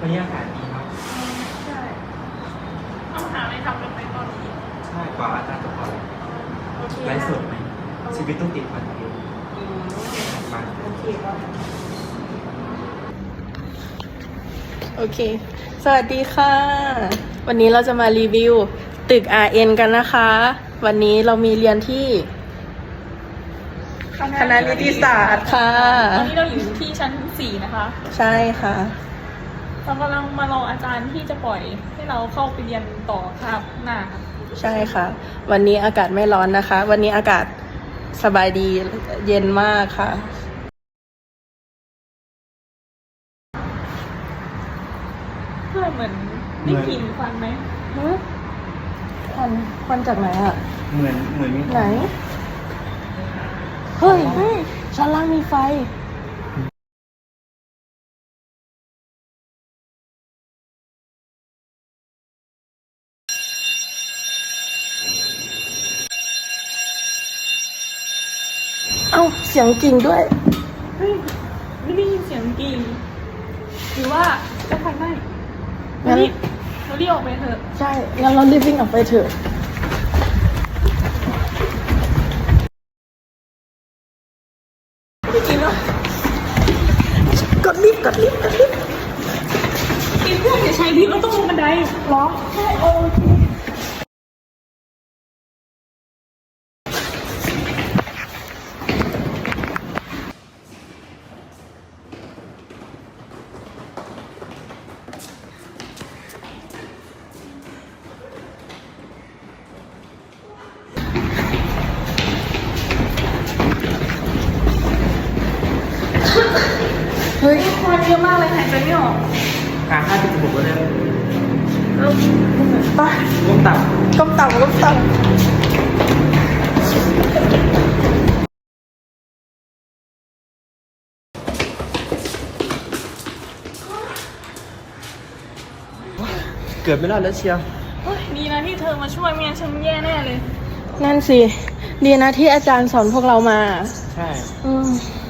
วันนี้อากาศดีเนาะใช่ต้องหาอะไรทำกันไหมตอนนี้ใช่กว่าอาจารย์จะพอไลฟ์สดไหมชีวิตต้องติดคอนเทนต์มาโอเคก็โอเคสวัสดีค่ะวันนี้เราจะมารีวิวตึก RN กันนะคะวันนี้เรามีเรียนที่คณะนิติศาสตร์ค่ะตอนนี้เราอยู่ที่ชั้น 4นะคะใช่ค่ะเรากำลังมารออาจารย์ที่จะปล่อยให้เราเข้าไปเรียนต่อครับหน้าค่ะใช่ค่ะวันนี้อากาศไม่ร้อนนะคะวันนี้อากาศสบายดีเย็นมากค่ะเพื่อเหมือนได้กลิ่นควันไหมควันจากไหนอ่ะเหมือนมีไหนเฮ้ยชั้นล่างมีไฟเอ้าเสียงกิ่งด้วยเฮ้ยไม่ได้ยินเสียงกลิ่นหรือว่าจะควันไหม้งั้นเรารีบออกไปเถอะใช่งั้นเรารีบวิ่งออกไปเถอะไม่กินหรอกกดลิฟต์กินเพื่อนอย่าใช้ลิฟต์เราต้องลงบันไดร้องใช่โอเคเฮ้ยควันเยอะมากเลยหายใจไม่ออกการฆ่าที่จมูกก็ได้ไปก้มต่ำก้มต่ำเกือบไม่รอดแล้วเชียวดีนะที่เธอมาช่วยไม่งั้นฉันแย่แน่เลยนั่นสิดีนะที่อาจารย์สอนพวกเรามาใช่